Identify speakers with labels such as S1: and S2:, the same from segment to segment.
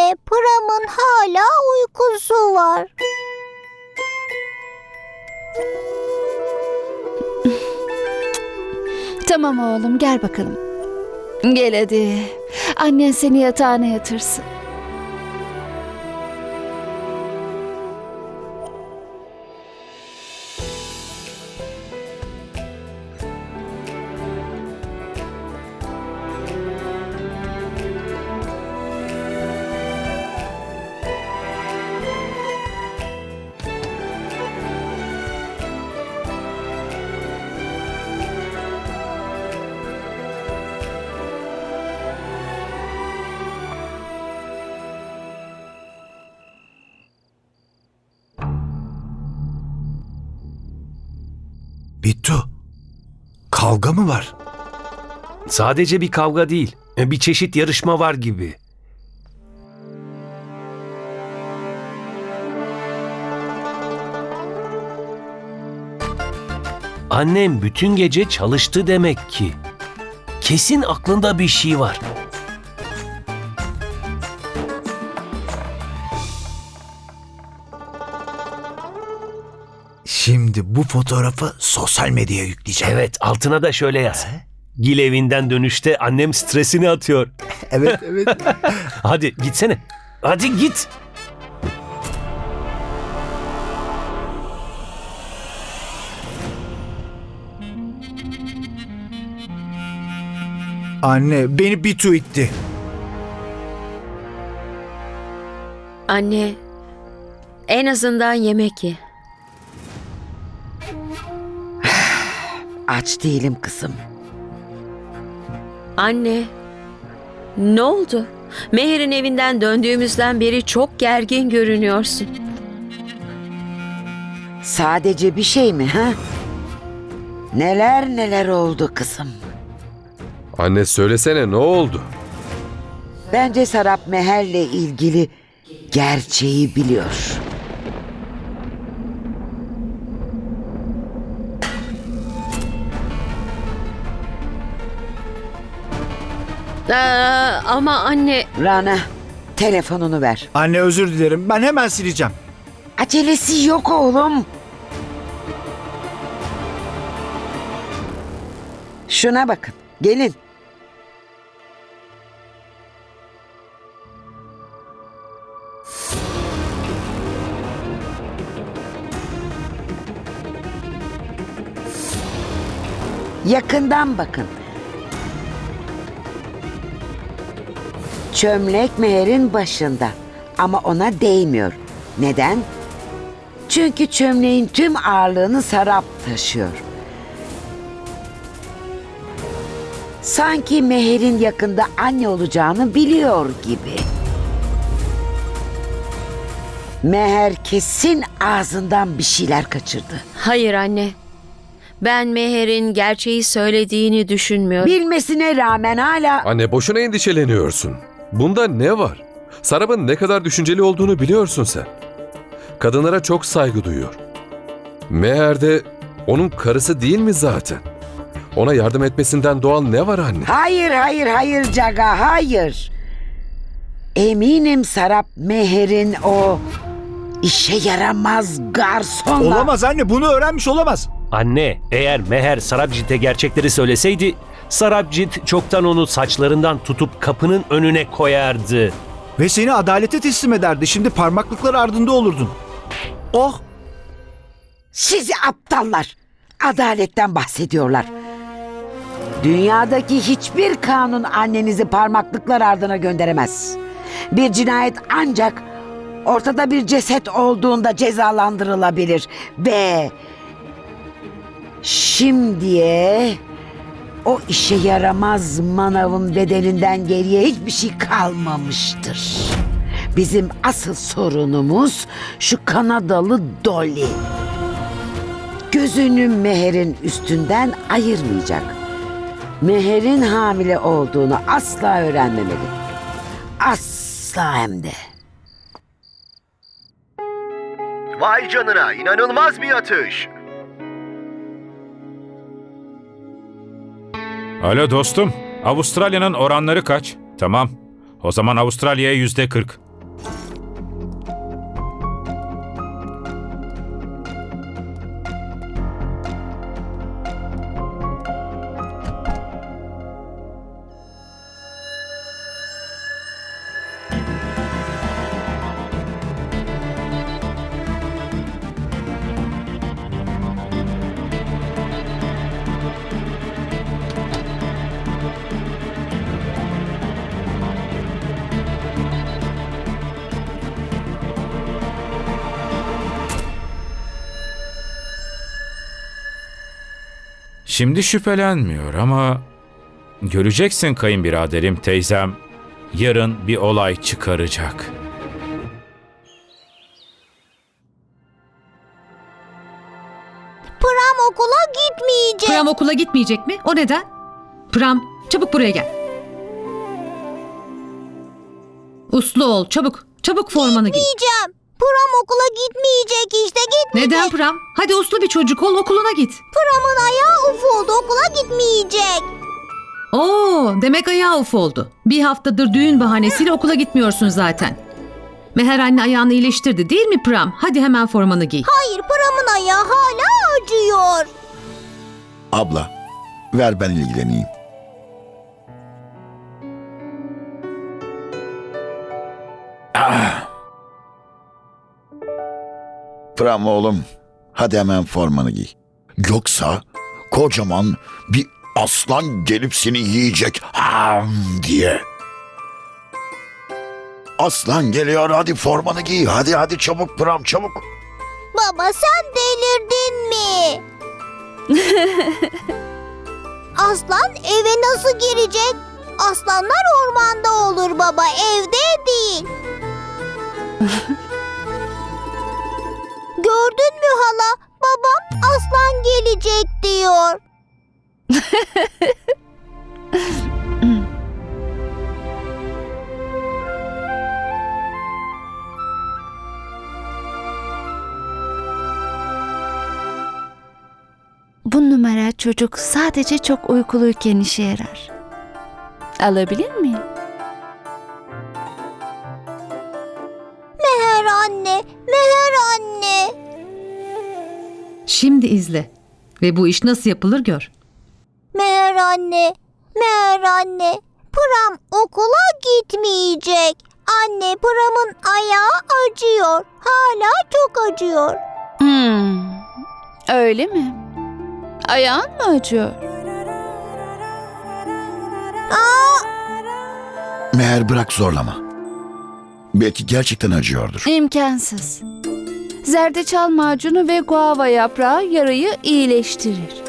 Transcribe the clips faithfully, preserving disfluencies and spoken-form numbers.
S1: Anne, Pram'ın hala uykusu var.
S2: Tamam oğlum, gel bakalım. Gel hadi. Annen seni yatağına yatırsın.
S3: Bittu, kavga mı var?
S4: Sadece bir kavga değil, bir çeşit yarışma var gibi. Annem bütün gece çalıştı demek ki. Kesin aklında bir şey var.
S3: Şimdi bu fotoğrafı sosyal medyaya yükleyeceğim.
S4: Evet, altına da şöyle yaz. Gil evinden dönüşte annem stresini atıyor.
S3: Evet, evet.
S4: Hadi gitsene. Hadi git.
S3: Anne, beni Bittu itti.
S5: Anne, en azından yemek ye.
S6: Aç değilim kızım.
S5: Anne, ne oldu? Meher'in evinden döndüğümüzden beri çok gergin görünüyorsun.
S6: Sadece bir şey mi ha? Neler neler oldu kızım.
S7: Anne söylesene ne oldu?
S6: Bence Sarap Meher'le ilgili gerçeği biliyor.
S5: Aa, ama anne...
S6: Rana, telefonunu ver.
S3: Anne özür dilerim, ben hemen sileceğim.
S6: Acelesi yok oğlum. Şuna bakın, gelin. Yakından bakın. Çömlek Meher'in başında ama ona değmiyor. Neden? Çünkü çömleğin tüm ağırlığını Sarap taşıyor. Sanki Meher'in yakında anne olacağını biliyor gibi. Meher kesin ağzından bir şeyler kaçırdı.
S5: Hayır anne. Ben Meher'in gerçeği söylediğini düşünmüyorum.
S6: Bilmesine rağmen hala...
S7: Anne boşuna endişeleniyorsun. Bunda ne var? Sarap'ın ne kadar düşünceli olduğunu biliyorsun sen. Kadınlara çok saygı duyuyor. Meher de onun karısı değil mi zaten? Ona yardım etmesinden doğal ne var anne?
S6: Hayır, hayır, hayır Caga, hayır. Eminim Sarap Meher'in o işe yaramaz garsonla...
S3: Olamaz anne, bunu öğrenmiş olamaz.
S4: Anne, eğer Meher Sarabjit'e gerçekleri söyleseydi, Sarabjit çoktan onu saçlarından tutup kapının önüne koyardı.
S3: Ve seni adalete teslim ederdi. Şimdi parmaklıklar ardında olurdun. Oh!
S6: Sizi aptallar! Adaletten bahsediyorlar. Dünyadaki hiçbir kanun annenizi parmaklıklar ardına gönderemez. Bir cinayet ancak ortada bir ceset olduğunda cezalandırılabilir. Ve şimdiye o işe yaramaz manavın bedelinden geriye hiçbir şey kalmamıştır. Bizim asıl sorunumuz şu Kanadalı Dolly. Gözünü Meher'in üstünden ayırmayacak. Meher'in hamile olduğunu asla öğrenmemeli. Asla hem de.
S8: Vay canına, inanılmaz bir atış.
S9: Alo dostum, Avustralya'nın oranları kaç? Tamam, o zaman Avustralya'ya yüzde kırk. Şimdi şüphelenmiyor ama göreceksin kayınbiraderim, teyzem yarın bir olay çıkaracak.
S1: Pram okula gitmeyecek.
S10: Pram okula gitmeyecek mi? O neden? Pram, çabuk buraya gel. Uslu ol, çabuk. Çabuk formanı giy.
S1: Gitmeyeceğim. Pram okula gitmeyecek işte gitmeyecek.
S10: Neden Pram? Hadi uslu bir çocuk ol, okuluna git.
S1: Pram'ın ayağı uf oldu, okula gitmeyecek.
S10: Oo, demek ayağı uf oldu. Bir haftadır düğün bahanesiyle okula gitmiyorsun zaten. Meher anne ayağını iyileştirdi değil mi Pram? Hadi hemen formanı giy.
S1: Hayır, Pram'ın ayağı hala acıyor.
S11: Abla, ver ben ilgileneyim. Ah. Pram oğlum, hadi hemen formanı giy. Yoksa kocaman bir aslan gelip seni yiyecek ham diye. Aslan geliyor, hadi formanı giy. Hadi hadi çabuk Pram, çabuk.
S1: Baba sen delirdin mi? Aslan eve nasıl girecek? Aslanlar ormanda olur baba, evde değil. Gördün mü hala? Babam aslan gelecek diyor.
S2: Bu numara çocuk sadece çok uykuluyken işe yarar. Alabilir miyim?
S1: Meher anne, Meher anne.
S10: Şimdi izle. Ve bu iş nasıl yapılır gör.
S1: Meher anne, Meher anne. Pram okula gitmeyecek. Anne, Pram'ın ayağı acıyor. Hala çok acıyor.
S2: Hmm, öyle mi? Ayağın mı acıyor?
S1: Aa,
S11: Meğer bırak zorlama. Belki gerçekten acıyordur.
S2: İmkansız. Zerdeçal macunu ve guava yaprağı yarayı iyileştirir.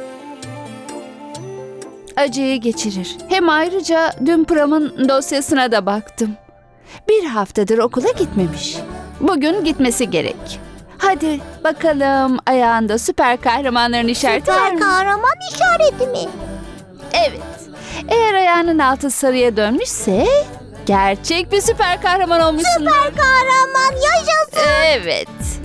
S2: Acıyı geçirir. Hem ayrıca dün Pram'ın dosyasına da baktım. Bir haftadır okula gitmemiş. Bugün gitmesi gerek. Hadi bakalım, ayağında süper kahramanların işareti var
S1: süper
S2: mı?
S1: kahraman işareti mi?
S2: Evet. Eğer ayağının altı sarıya dönmüşse gerçek bir süper kahraman olmuşsun.
S1: Süper kahraman yaşasın.
S2: Evet.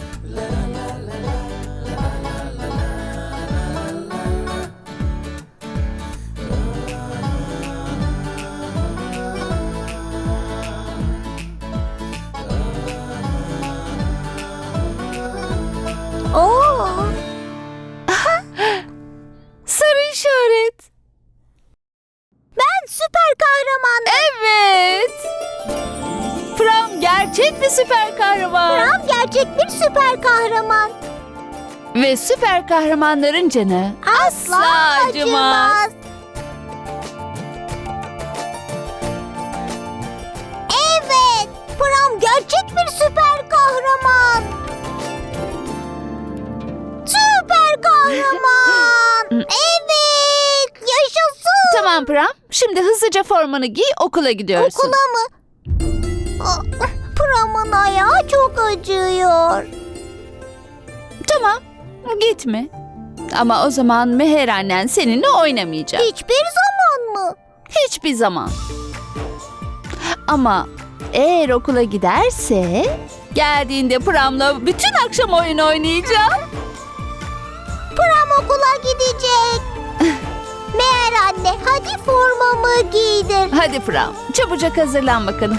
S1: Oo.
S2: Sarı işaret.
S1: Ben süper kahramanım.
S2: Evet. Pram gerçek bir süper kahraman.
S1: Pram gerçek bir süper kahraman.
S2: Ve süper kahramanların canı asla,
S1: Asla
S2: acımaz.
S1: acımaz. Evet. Pram gerçek bir süper kahraman. Süper kahraman. Evet. Yaşasın.
S2: Tamam Pram. Şimdi hızlıca formanı giy, okula gidiyorsun.
S1: Okula mı? Aa, Pram'ın ayağı çok acıyor.
S2: Tamam. Gitme. Ama o zaman Meher annen seninle oynamayacak.
S1: Hiçbir zaman mı?
S2: Hiçbir zaman. Ama eğer okula giderse geldiğinde Pram'la bütün akşam oyun oynayacağım.
S1: Pram okula gidecek. Meğer anne hadi formamı giydir.
S2: Hadi Pram, çabucak hazırlan bakalım.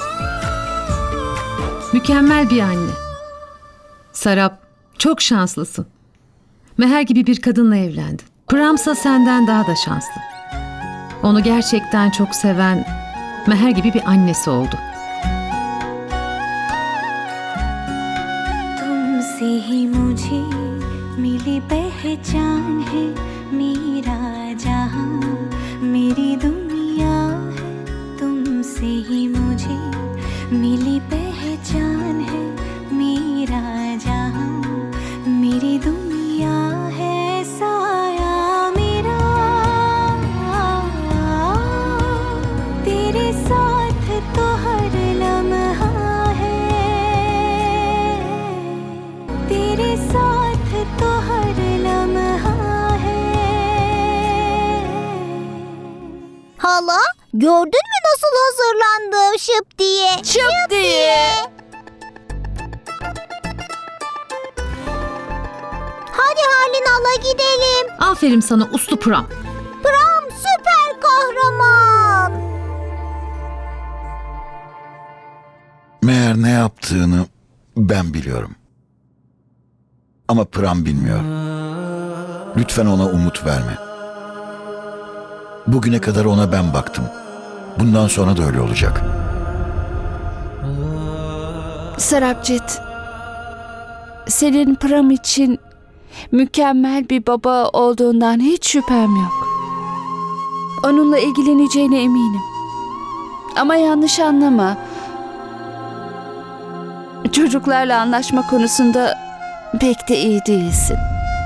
S10: Mükemmel bir anne. Sarap, çok şanslısın. Meher gibi bir kadınla evlendin. Pramsa senden daha da şanslı. Onu gerçekten çok seven Meher gibi bir annesi oldu.
S12: तुमसे ही मुझे मिली पहचान है मेरा जहां मेरी दुनिया है तुमसे ही मुझे मिली पहचान है मेरा जहां मेरी दुनिया है साया मेरा
S1: Hala, gördün mü nasıl hazırlandım şıp diye?
S2: Şıp diye.
S1: Hadi Harlin hala gidelim.
S10: Aferin sana uslu Pram.
S1: Pram süper kahraman.
S11: Meğer ne yaptığını ben biliyorum. Ama Pram bilmiyor. Lütfen ona umut verme. Bugüne kadar ona ben baktım. Bundan sonra da öyle olacak.
S2: Sarabjit, senin Pram için mükemmel bir baba olduğundan hiç şüphem yok. Onunla ilgileneceğine eminim. Ama yanlış anlama. Çocuklarla anlaşma konusunda pek de iyi değilsin.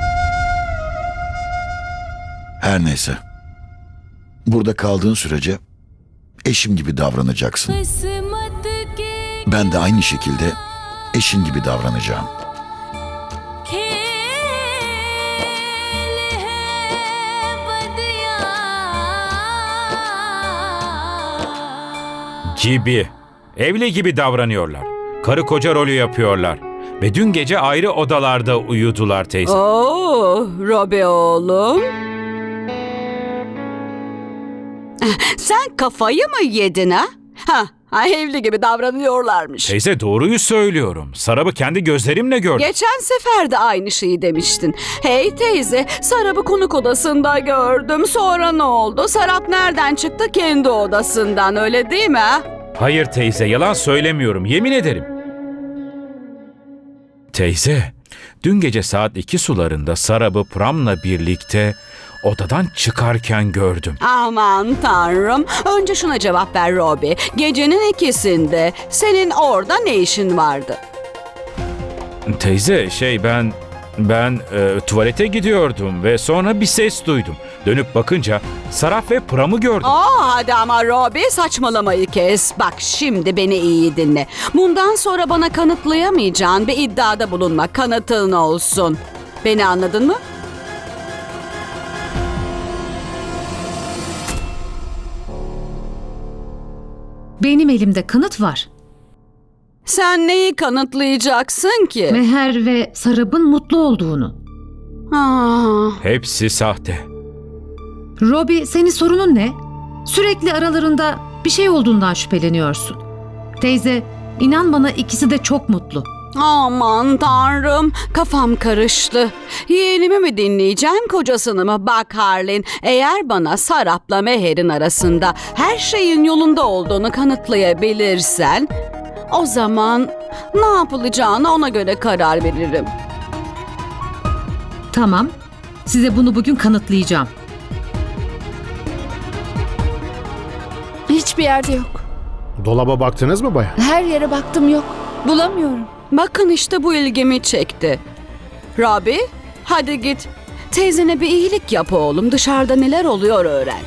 S11: Her neyse. Burada kaldığın sürece eşim gibi davranacaksın. Ben de aynı şekilde eşin gibi davranacağım.
S9: Gibi. Evli gibi davranıyorlar. Karı koca rolü yapıyorlar. Ve dün gece ayrı odalarda uyudular teyze.
S13: Oo, Robi oğlum. Sen kafayı mı yedin ha? Ha, ha, evli gibi davranıyorlarmış.
S9: Teyze doğruyu söylüyorum. Sarab'ı kendi gözlerimle gördüm.
S13: Geçen sefer de aynı şeyi demiştin. Hey teyze, Sarap'ı konuk odasında gördüm. Sonra ne oldu? Sarap nereden çıktı? Kendi odasından, öyle değil mi ha?
S9: Hayır teyze, yalan söylemiyorum. Yemin ederim. Teyze, dün gece saat iki sularında Sarab'ı Pram'la birlikte odadan çıkarken gördüm.
S13: Aman tanrım. Önce şuna cevap ver Robi. Gecenin ikisinde senin orada ne işin vardı?
S9: Teyze, şey ben... Ben e, tuvalete gidiyordum ve sonra bir ses duydum. Dönüp bakınca Sarap ve Pram'ı gördüm.
S13: Aa, hadi ama Robi, saçmalamayı kes. Bak şimdi beni iyi dinle. Bundan sonra bana kanıtlayamayacağın bir iddiada bulunma. Kanıtın olsun. Beni anladın mı?
S10: Benim elimde kanıt var.
S13: Sen neyi kanıtlayacaksın ki?
S10: Meher ve Sarab'ın mutlu olduğunu.
S13: Aa,
S9: Hepsi sahte.
S10: Robi, senin sorunun ne? Sürekli aralarında bir şey olduğundan şüpheleniyorsun. Teyze, inan bana ikisi de çok mutlu.
S13: aman tanrım, kafam karıştı. Yeğenimi mi dinleyeceğim, kocasını mı? Bak Harlin, eğer bana Sarap'la Meher'in arasında her şeyin yolunda olduğunu kanıtlayabilirsen, o zaman ne yapılacağını ona göre karar veririm.
S10: Tamam, size bunu bugün kanıtlayacağım.
S2: Hiçbir yerde yok.
S3: Dolaba baktınız mı bayan?
S2: Her yere baktım, yok. Bulamıyorum.
S13: Bakın işte bu ilgimi çekti. Robi, hadi git. Teyzene bir iyilik yap oğlum. Dışarıda neler oluyor öğren.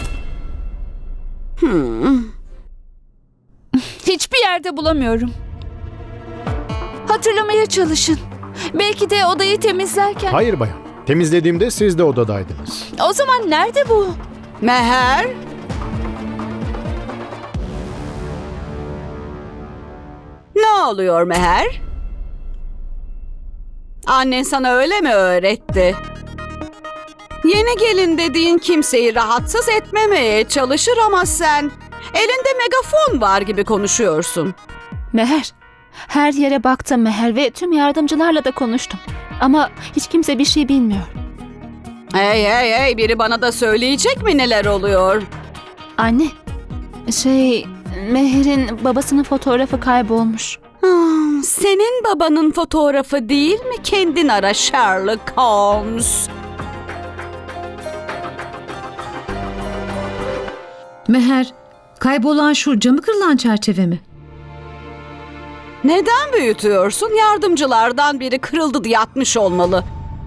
S13: Hmm.
S2: Hiçbir yerde bulamıyorum. Hatırlamaya çalışın. Belki de odayı temizlerken...
S3: Hayır bayan. Temizlediğimde siz de odadaydınız.
S2: O zaman nerede bu?
S13: Meher? Ne oluyor Meher? Annen sana öyle mi öğretti? Yeni gelin dediğin kimseyi rahatsız etmemeye çalışır ama sen elinde megafon var gibi konuşuyorsun.
S14: Meher, her yere baktım Meher ve tüm yardımcılarla da konuştum. Ama hiç kimse bir şey bilmiyor.
S13: Hey hey hey, biri bana da söyleyecek mi neler oluyor?
S14: Anne, şey Meher'in babasının fotoğrafı kaybolmuş.
S13: Hmm, senin babanın fotoğrafı değil mi? Kendin ara Sherlock Holmes.
S10: Meher, kaybolan şu camı kırılan çerçeve mi?
S13: Neden büyütüyorsun? Yardımcılardan biri kırıldı diye atmış olmalı.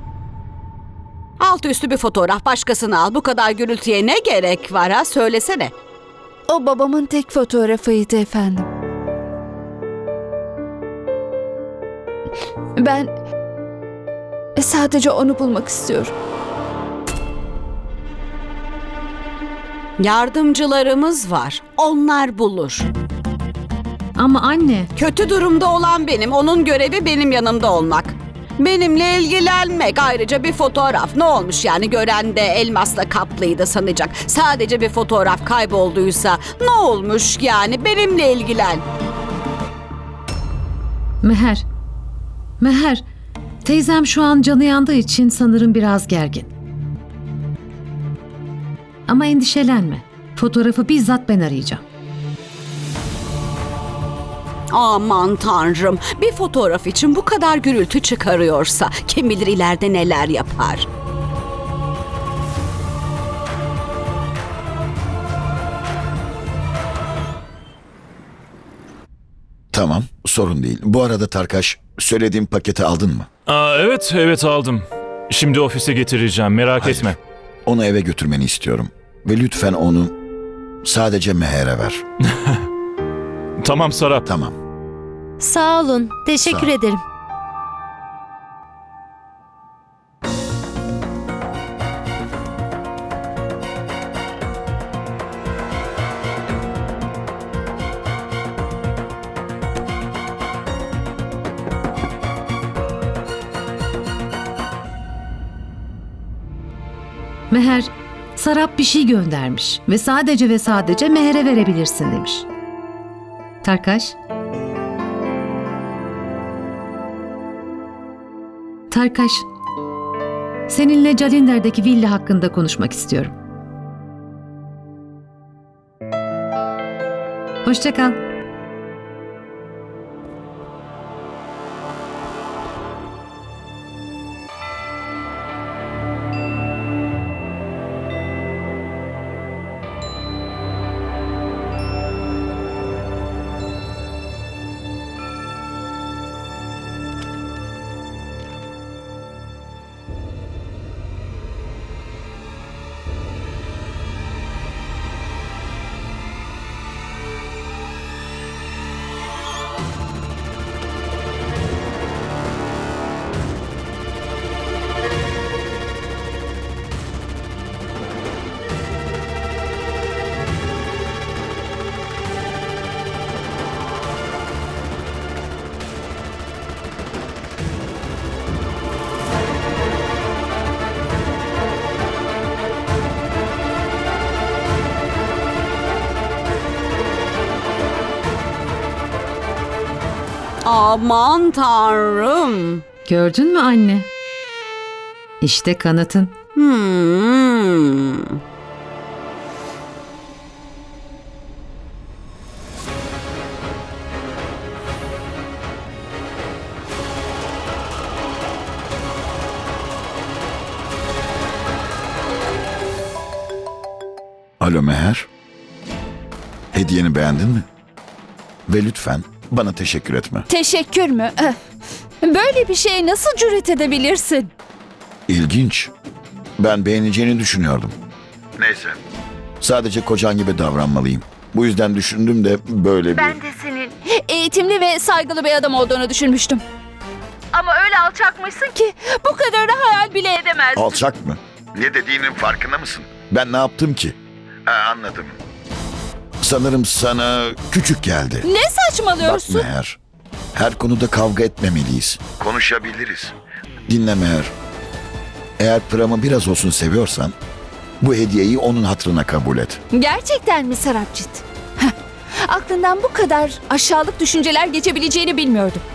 S13: Altı üstü bir fotoğraf, başkasını al. Bu kadar gürültüye ne gerek var ha? Söylesene.
S2: O babamın tek fotoğrafıydı efendim. Ben sadece onu bulmak istiyorum.
S13: Yardımcılarımız var. Onlar bulur.
S10: Ama anne,
S13: Kötü durumda olan benim. Onun görevi benim yanımda olmak. Benimle ilgilenmek. Ayrıca bir fotoğraf. Ne olmuş yani, gören de elmasla kaplıydı sanacak. Sadece bir fotoğraf kaybolduysa ne olmuş yani, benimle ilgilen.
S10: Meher. Meher, teyzem şu an canı yandığı için sanırım biraz gergin. Ama endişelenme. Fotoğrafı bizzat ben arayacağım.
S13: Aman tanrım, bir fotoğraf için bu kadar gürültü çıkarıyorsa kim bilir ileride neler yapar.
S11: Tamam, sorun değil. Bu arada Tarkaş, söylediğim paketi aldın mı?
S15: Aa, evet, evet aldım. Şimdi ofise getireceğim, merak
S11: Hayır.
S15: etme.
S11: Onu eve götürmeni istiyorum. Ve lütfen onu sadece Meher'e ver.
S15: Tamam Sarap.
S11: Tamam.
S1: Sağ olun. Teşekkür
S11: Sağ ol.
S1: ederim.
S10: Meher, Sarap bir şey göndermiş ve sadece ve sadece Meher'e verebilirsin demiş. Tarkaş. Tarkaş, seninle Calinder'deki villa hakkında konuşmak istiyorum. Hoşça kal.
S13: Aman tanrım.
S10: Gördün mü anne? İşte kanıtın.
S13: Hmm.
S11: Alo Meher. Hediyeni beğendin mi? Ve lütfen bana teşekkür etme.
S2: Teşekkür mü? Eh, Böyle bir şeye nasıl cüret edebilirsin?
S11: İlginç. Ben beğeneceğini düşünüyordum. Neyse. Sadece kocan gibi davranmalıyım. Bu yüzden düşündüm de böyle bir...
S2: Ben de senin eğitimli ve saygılı bir adam olduğunu düşünmüştüm. Ama öyle alçakmışsın ki bu kadarını hayal bile edemezdim.
S11: Alçak mı? Ne dediğinin farkında mısın? Ben ne yaptım ki? Ha, anladım. Sanırım sana küçük geldi.
S2: Ne saçmalıyorsun?
S11: Bak Meher, her konuda kavga etmemeliyiz. Konuşabiliriz. Dinle Meher. Eğer Pram'ı biraz olsun seviyorsan, bu hediyeyi onun hatırına kabul et.
S2: Gerçekten mi Sarapcit? Heh, Aklından bu kadar aşağılık düşünceler geçebileceğini bilmiyordum.